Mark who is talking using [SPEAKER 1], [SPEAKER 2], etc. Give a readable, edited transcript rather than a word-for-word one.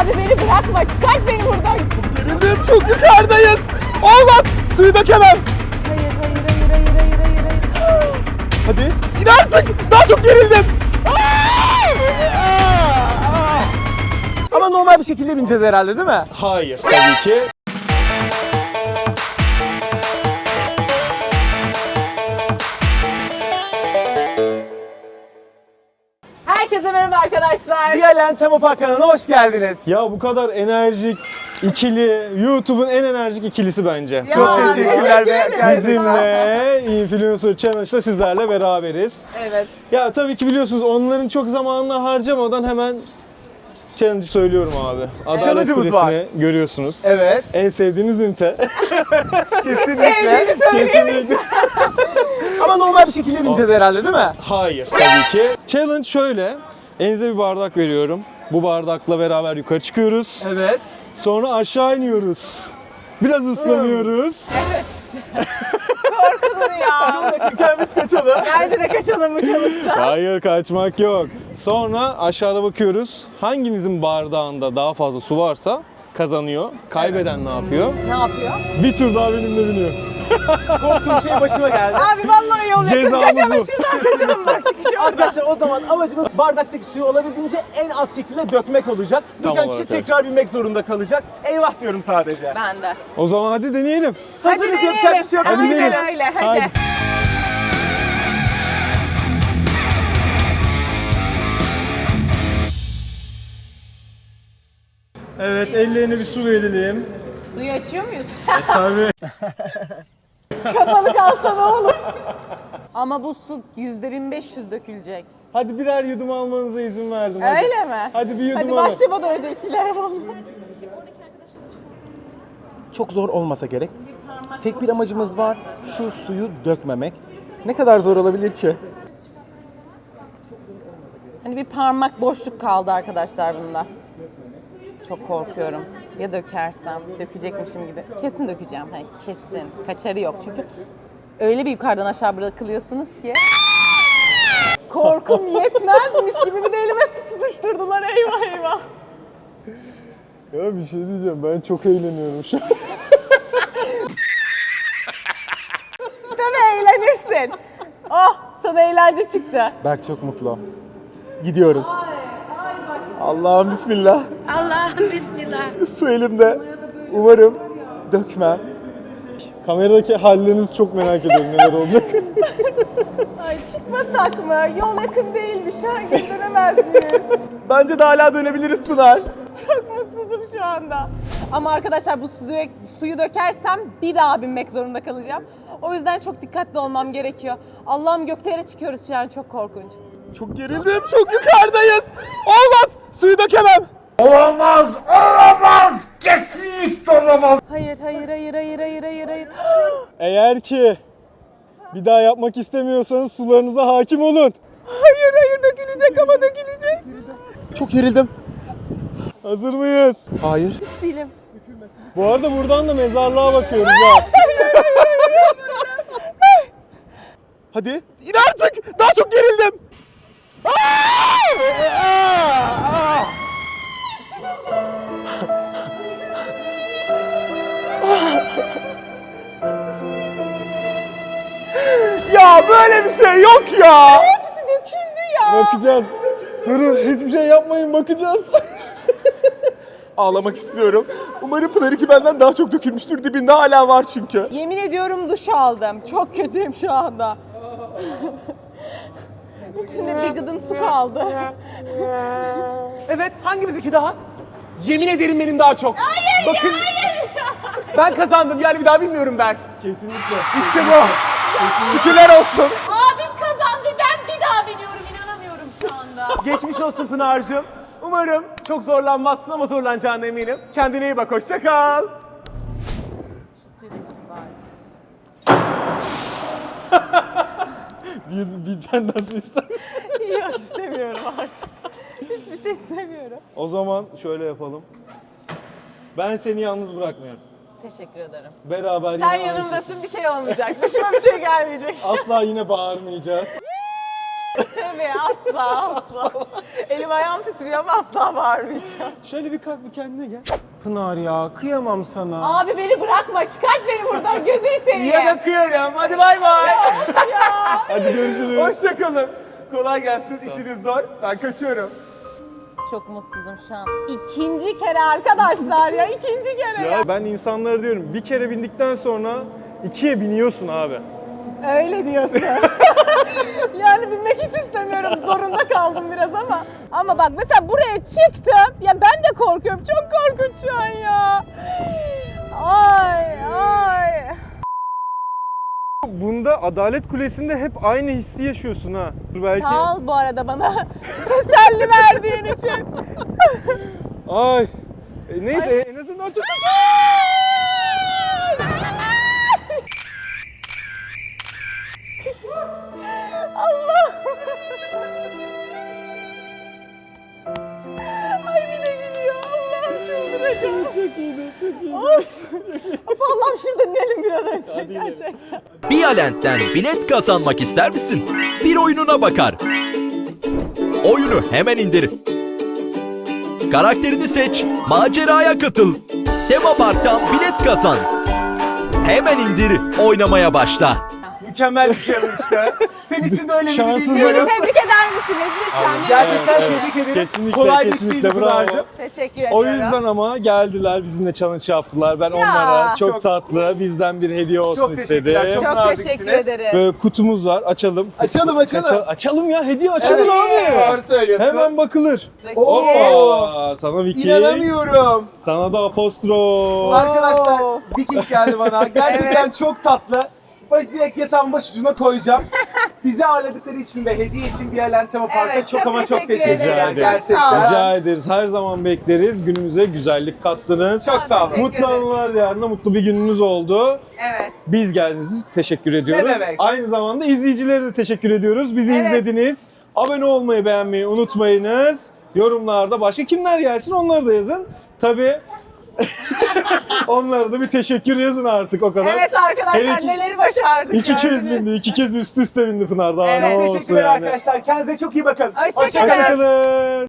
[SPEAKER 1] Abi beni bırakma, çıkart beni buradan.
[SPEAKER 2] Gerildim, çok yukarıdayız. Olmaz, suyu dökemem.
[SPEAKER 1] Hayır.
[SPEAKER 2] Hadi, in artık. Daha çok gerildim. Ama normal bir şekilde bineceğiz herhalde, değil mi?
[SPEAKER 3] Hayır tabii ki.
[SPEAKER 1] Herkese merhaba arkadaşlar.
[SPEAKER 2] Diyalen Tema Park kanalına hoş geldiniz.
[SPEAKER 3] Ya bu kadar enerjik ikili, YouTube'un en enerjik ikilisi bence.
[SPEAKER 1] Ya,
[SPEAKER 2] Çok teşekkürler
[SPEAKER 1] teşekkür ederim.
[SPEAKER 3] Bizimle Influencer Challenge'da sizlerle beraberiz.
[SPEAKER 1] Evet.
[SPEAKER 3] Ya tabii ki biliyorsunuz onların çok zamanını harcamadan hemen challenge'ı söylüyorum abi. Adalet
[SPEAKER 2] Challenge'ımız var.
[SPEAKER 3] Kulesi'ni görüyorsunuz.
[SPEAKER 2] Evet,
[SPEAKER 3] En sevdiğiniz ünite.
[SPEAKER 2] kesinlikle.
[SPEAKER 3] Kesinlikle.
[SPEAKER 2] Ama normal bir şekilde bineceğiz herhalde, değil mi?
[SPEAKER 3] Hayır tabii ki. Challenge şöyle. Elinize bir bardak veriyorum. Bu bardakla beraber yukarı çıkıyoruz.
[SPEAKER 2] Evet.
[SPEAKER 3] Sonra aşağı iniyoruz. Biraz ıslanıyoruz.
[SPEAKER 1] Evet. Korkulur ya.
[SPEAKER 2] Yakınken biz kaçalım.
[SPEAKER 1] Bence de kaçalım bu challenge'da.
[SPEAKER 3] Hayır kaçmak yok. Sonra aşağıda bakıyoruz. Hanginizin bardağında daha fazla su varsa kazanıyor. Kaybeden ne yapıyor?
[SPEAKER 1] Ne yapıyor?
[SPEAKER 3] Bir tur daha benimle biniyor.
[SPEAKER 2] Korktuğum şey başıma geldi.
[SPEAKER 1] Abi vallahi yol yakın.
[SPEAKER 3] Cezamız
[SPEAKER 1] Kaçalım
[SPEAKER 3] bu.
[SPEAKER 1] şuradan kaçalım bak.
[SPEAKER 2] Arkadaşlar o zaman amacımız bardaktaki suyu olabildiğince en az şekilde dökmek olacak.
[SPEAKER 3] Tam
[SPEAKER 2] Döken kişi
[SPEAKER 3] olarak öyle.
[SPEAKER 2] tekrar binmek zorunda kalacak. Eyvah diyorum sadece.
[SPEAKER 1] Ben de.
[SPEAKER 3] O zaman hadi deneyelim.
[SPEAKER 2] Hazırız, yapacak bir şey yok. Hadi
[SPEAKER 1] Aynen
[SPEAKER 2] gidelim.
[SPEAKER 1] öyle. Hadi.
[SPEAKER 3] Haydi. Evet, ellerine bir su verelim.
[SPEAKER 1] Suyu açıyor muyuz?
[SPEAKER 3] Tabii.
[SPEAKER 1] Kapalı kalsa ne olur? Ama bu su %1500 dökülecek.
[SPEAKER 3] Hadi birer yudum almanıza izin verdim. Hadi.
[SPEAKER 1] Öyle mi?
[SPEAKER 3] Hadi bir yudum
[SPEAKER 1] Hadi
[SPEAKER 3] alın.
[SPEAKER 1] başlamadan önce bismillahirrahmanirrahim.
[SPEAKER 2] Çok zor olmasa gerek. Tek bir amacımız var. Şu suyu dökmemek. Ne kadar zor olabilir ki?
[SPEAKER 1] Hani bir parmak boşluk kaldı arkadaşlar bunda. Çok korkuyorum. Ya dökersem, dökecekmişim gibi. Kesin dökeceğim. Hani kesin. Kaçarı yok. Çünkü öyle bir yukarıdan aşağı bırakılıyorsunuz ki. Korkum yetmezmiş gibi bir de elime su tutuşturdular. Eyvah eyvah.
[SPEAKER 3] Ya bir şey diyeceğim, ben çok eğleniyorum şu an.
[SPEAKER 1] Tabii eğlenirsin. Oh, sana eğlence çıktı.
[SPEAKER 2] Berk çok mutlu. Gidiyoruz. Allah'ım bismillah.
[SPEAKER 4] Allah'ım bismillah.
[SPEAKER 2] Su elimde. Umarım dökmem.
[SPEAKER 3] Kameradaki hallerinizi çok merak ediyorum neler olacak.
[SPEAKER 1] Ay çıkmasak mı? Yol yakın değilmiş. Şu an geri dönemez miyiz?
[SPEAKER 2] Bence de hala dönebiliriz Pınar.
[SPEAKER 1] Çok mutsuzum şu anda. Ama arkadaşlar bu suyu dökersem bir daha binmek zorunda kalacağım. O yüzden çok dikkatli olmam gerekiyor. Allah'ım göklere çıkıyoruz şu an, çok korkunç.
[SPEAKER 2] Çok gerildim, çok yukarıdayız. Olmaz, suyu dökemem.
[SPEAKER 5] Olamaz, kesinlikle olamaz.
[SPEAKER 1] Hayır.
[SPEAKER 3] Eğer ki bir daha yapmak istemiyorsanız sularınıza hakim olun.
[SPEAKER 1] Hayır dökülecek ama dökülecek.
[SPEAKER 2] Çok gerildim.
[SPEAKER 3] Hazır mıyız?
[SPEAKER 2] Hayır.
[SPEAKER 1] Hiç değilim.
[SPEAKER 3] Bu arada buradan da mezarlığa bakıyoruz ha.
[SPEAKER 2] Hadi. İn artık. Daha çok gerildim. Ya böyle bir şey yok ya.
[SPEAKER 1] Hepsi döküldü ya.
[SPEAKER 3] Bakacağız. Durun, hiçbir şey yapmayın, bakacağız.
[SPEAKER 2] Ağlamak istiyorum. Umarım Pınar'ınki benden daha çok dökülmüştür. Dibinde hala var çünkü.
[SPEAKER 1] Yemin ediyorum duş aldım. Çok kötüyüm şu anda. İçinde bir gıdım su kaldı.
[SPEAKER 2] Evet, hangimiz iki daha az? Yemin ederim benim daha çok. Hayır, bakın. Ben kazandım. Yani bir daha bilmiyorum ben.
[SPEAKER 3] Kesinlikle.
[SPEAKER 2] İşte bu. Şükürler olsun.
[SPEAKER 1] Abim kazandı, ben bir daha biniyorum, inanamıyorum şu anda.
[SPEAKER 2] Geçmiş olsun Pınar'cığım. Umarım çok zorlanmazsın ama zorlanacağına eminim. Kendine iyi bak, hoşça kal.
[SPEAKER 1] Şu suyu da içeyim bari.
[SPEAKER 3] Bir tane nasıl ister misin?
[SPEAKER 1] Yok istemiyorum artık. Hiçbir şey istemiyorum.
[SPEAKER 3] O zaman şöyle yapalım. Ben seni yalnız bırakmıyorum.
[SPEAKER 1] Teşekkür ederim.
[SPEAKER 3] Beraber yine
[SPEAKER 1] Sen
[SPEAKER 3] aynı
[SPEAKER 1] yanımdasın, bir şey olmayacak. Başıma bir şey gelmeyecek.
[SPEAKER 3] Asla yine bağırmayacağız.
[SPEAKER 1] Tövbe Abi asla. Elim ayağım titriyor ama asla bağırmayacağım.
[SPEAKER 3] Şöyle bir kalk bir kendine gel.
[SPEAKER 2] Pınar ya kıyamam sana.
[SPEAKER 1] Abi beni bırakma, çıkart beni buradan, gözünü seveyim.
[SPEAKER 2] Ya da kıyarım. Hadi bay bay.
[SPEAKER 3] Hadi görüşürüz.
[SPEAKER 2] Hoşçakalın. Kolay gelsin. İşiniz zor. Ben kaçıyorum.
[SPEAKER 1] Çok mutsuzum şu an. İkinci kere arkadaşlar ya, ikinci kere ya.
[SPEAKER 3] Ya ben insanlara diyorum bir kere bindikten sonra ikiye biniyorsun abi.
[SPEAKER 1] Öyle diyorsun. Yani binmek hiç istemiyorum, zorunda kaldım biraz ama. Ama bak mesela buraya çıktım, ya ben de korkuyorum, çok korkunç şu an ya. Ay.
[SPEAKER 3] Bunda Adalet Kulesi'nde hep aynı hissi yaşıyorsun ha. Belki.
[SPEAKER 1] Sağ ol bu arada bana teselli verdiğin için.
[SPEAKER 3] Ay. Neyse en azından çok...
[SPEAKER 1] Allah. Ay bir de gülüyor. Allah'ım çıldıracağım.
[SPEAKER 3] Çok iyiydi, çok iyiydi.
[SPEAKER 1] Of Allah'ım şurada inelim bir an önce.
[SPEAKER 3] Hadi inelim.
[SPEAKER 1] Gerçekten.
[SPEAKER 4] Bialent'ten bilet kazanmak ister misin? Bir oyununa bakar. Oyunu hemen indir. Karakterini seç, maceraya katıl. Tema Park'tan bilet kazan. Hemen indir, oynamaya başla.
[SPEAKER 2] Mükemmel bir şey işte. Senin için de öyle bir
[SPEAKER 3] Şanssız
[SPEAKER 2] bilmiyorum.
[SPEAKER 1] Tebrik eder misiniz lütfen?
[SPEAKER 2] Gerçekten
[SPEAKER 3] Evet,
[SPEAKER 2] tebrik ederim.
[SPEAKER 3] Kesinlikle,
[SPEAKER 2] Kolay bir
[SPEAKER 3] kesinlikle,
[SPEAKER 2] işleydi
[SPEAKER 3] bravo.
[SPEAKER 2] Pınar'cığım.
[SPEAKER 1] Teşekkür ediyorum.
[SPEAKER 3] O yüzden ama geldiler bizimle challenge yaptılar. Ben onlara çok tatlı bizden bir hediye olsun
[SPEAKER 2] Çok teşekkürler,
[SPEAKER 3] istedim.
[SPEAKER 1] çok
[SPEAKER 2] naziksiniz.
[SPEAKER 1] teşekkür ederiz.
[SPEAKER 3] Böyle kutumuz var. Açalım.
[SPEAKER 2] Açalım.
[SPEAKER 3] Açalım ya. Hediye açalım
[SPEAKER 2] Evet,
[SPEAKER 3] abi.
[SPEAKER 2] doğru söylüyorsun.
[SPEAKER 3] Hemen bakılır.
[SPEAKER 2] Oo.
[SPEAKER 3] Hoppa. Sana Viking.
[SPEAKER 2] İnanamıyorum.
[SPEAKER 3] Sana da apostrof.
[SPEAKER 2] Arkadaşlar Viking geldi bana. Gerçekten çok tatlı. Direkt yatağın başucuna koyacağım. Bizi ağırladıkları için ve hediye için Bialent Tema Park'a
[SPEAKER 1] Evet,
[SPEAKER 2] çok
[SPEAKER 1] çok
[SPEAKER 2] ama çok
[SPEAKER 1] teşekkür
[SPEAKER 2] teşekkür
[SPEAKER 3] Rica
[SPEAKER 2] ederiz.
[SPEAKER 3] ederiz.
[SPEAKER 2] Gerçekten.
[SPEAKER 3] Rica ederiz. Her zaman bekleriz. Günümüze güzellik kattınız.
[SPEAKER 2] Çok sağ olun.
[SPEAKER 1] Teşekkür
[SPEAKER 3] Mutlu anılar yarına mutlu bir gününüz oldu.
[SPEAKER 1] Evet.
[SPEAKER 3] Biz geldiğiniz için teşekkür ediyoruz.
[SPEAKER 2] Ne demek?
[SPEAKER 3] Aynı zamanda izleyicilere de teşekkür ediyoruz. Bizi
[SPEAKER 1] Evet.
[SPEAKER 3] izlediniz. Abone olmayı, beğenmeyi unutmayınız. Yorumlarda başka kimler gelsin onları da yazın. Tabii onlara da bir teşekkür yazın artık o kadar.
[SPEAKER 1] Evet arkadaşlar,
[SPEAKER 3] Hele ki
[SPEAKER 1] neleri başardık.
[SPEAKER 3] İki kez
[SPEAKER 1] gördünüz.
[SPEAKER 3] bindi, iki kez üst üste bindi Pınar. Daha
[SPEAKER 1] Evet,
[SPEAKER 3] ne
[SPEAKER 2] Çok
[SPEAKER 3] olsun
[SPEAKER 2] teşekkürler
[SPEAKER 3] yani.
[SPEAKER 2] arkadaşlar. Kendinize çok iyi bakın.
[SPEAKER 1] Hoşça kalın.
[SPEAKER 3] Hoşçakalın.